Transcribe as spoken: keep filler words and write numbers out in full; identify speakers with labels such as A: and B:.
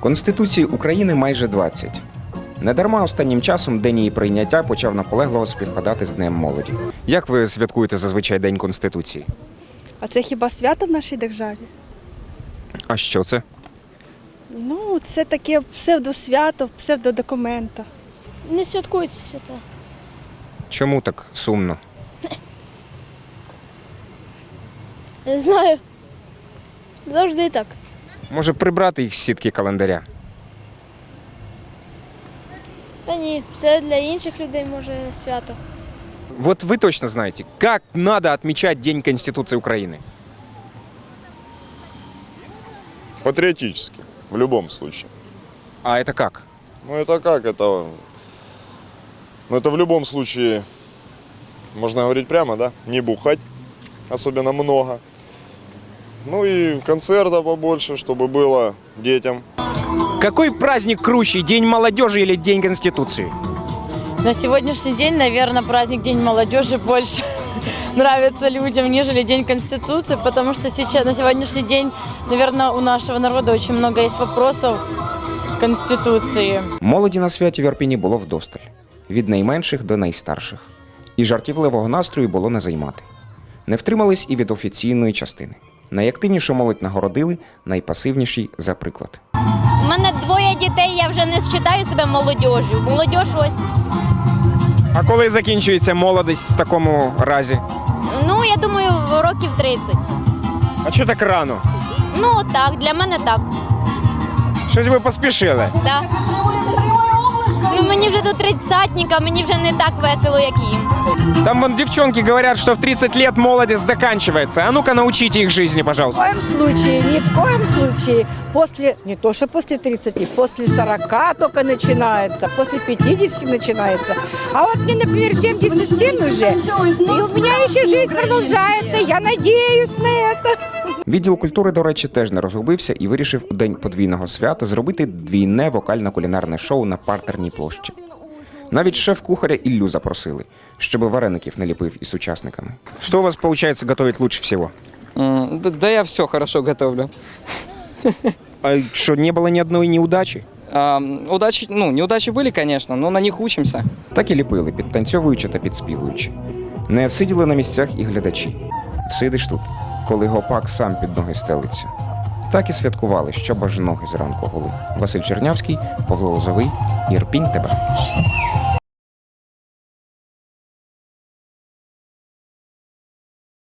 A: Конституції України майже двадцять. Недарма останнім часом день її прийняття почав наполегливо співпадати з Днем молоді. Як ви святкуєте зазвичай День Конституції?
B: А це хіба свято в нашій державі?
A: А що це?
B: Ну, це таке псевдосвято, псевдодокумента.
C: Не святкуються свята.
A: Чому так сумно?
C: Не знаю. Завжди так.
A: Може прибрати їх з сітки календаря?
C: Та ні, це для інших людей може свято.
A: Вот вы точно знаете, как надо отмечать День Конституции Украины?
D: Патриотически, в любом случае.
A: А это как?
D: Ну это как? Это, ну, это в любом случае, можно говорить прямо, да? Не бухать, особенно много. Ну и концертов побольше, чтобы было детям.
A: Какой праздник круче, День молодежи или День Конституции?
E: На сегодняшний день, наверное, праздник День молодежи больше нравится людям, нежели День Конституции, потому что сейчас, на сегодняшний день, наверное, у нашего народа очень много есть вопросов к Конституции.
A: Молоді на святі в Ірпіні було вдосталь. Від найменших до найстарших. І жартівливого настрою було не займати. Не втримались і від офіційної частини. Найактивнішу молодь нагородили, найпасивніші – за приклад.
F: У мене двоє дітей, я вже не вважаю себе молодіжю. Молодіж ось.
A: А коли закінчується молодість в такому разі?
F: Ну, я думаю, років тридцять.
A: А чого так рано?
F: Ну, так, для мене так.
A: Щось ви поспішили.
F: Да. Ну, мені вже до тридцятника, мені вже не так весело, як їм.
A: Там вон девчонки говорят, что в тридцать лет молодость заканчивается. А ну-ка научите их жизни, пожалуйста.
G: Ни в коем случае, ни в коем случае. После, не то что после тридцати, после сорока только начинается, после пятидесяти начинается. А вот мне, например, семьдесят семь уже, и у меня еще жизнь продолжается, я надеюсь на это.
A: Відділ культури, до речі, теж не розгубився і вирішив у день подвійного свята зробити двійне вокально-кулінарне шоу на партерній площі. Навіть шеф-кухаря Іллю запросили, щоб вареників не ліпив із учасниками. Що у вас виходить готувати лучше всього?
H: М, Да, да я все хорошо готовлю.
A: А що, не було ні одної неудачі?
H: А, удачи, ну, неудачи были, конечно, но на них учимся.
A: Так і ліпили, підтанцьовуючи та підспівуючи. Не всиділи на місцях і глядачі. Всидиш тут, коли гопак сам під ноги стелиться. Так і святкували, щоб аж ноги зранку гули. Василь Чернявський, Павло Лозовий, Ірпінь тебе.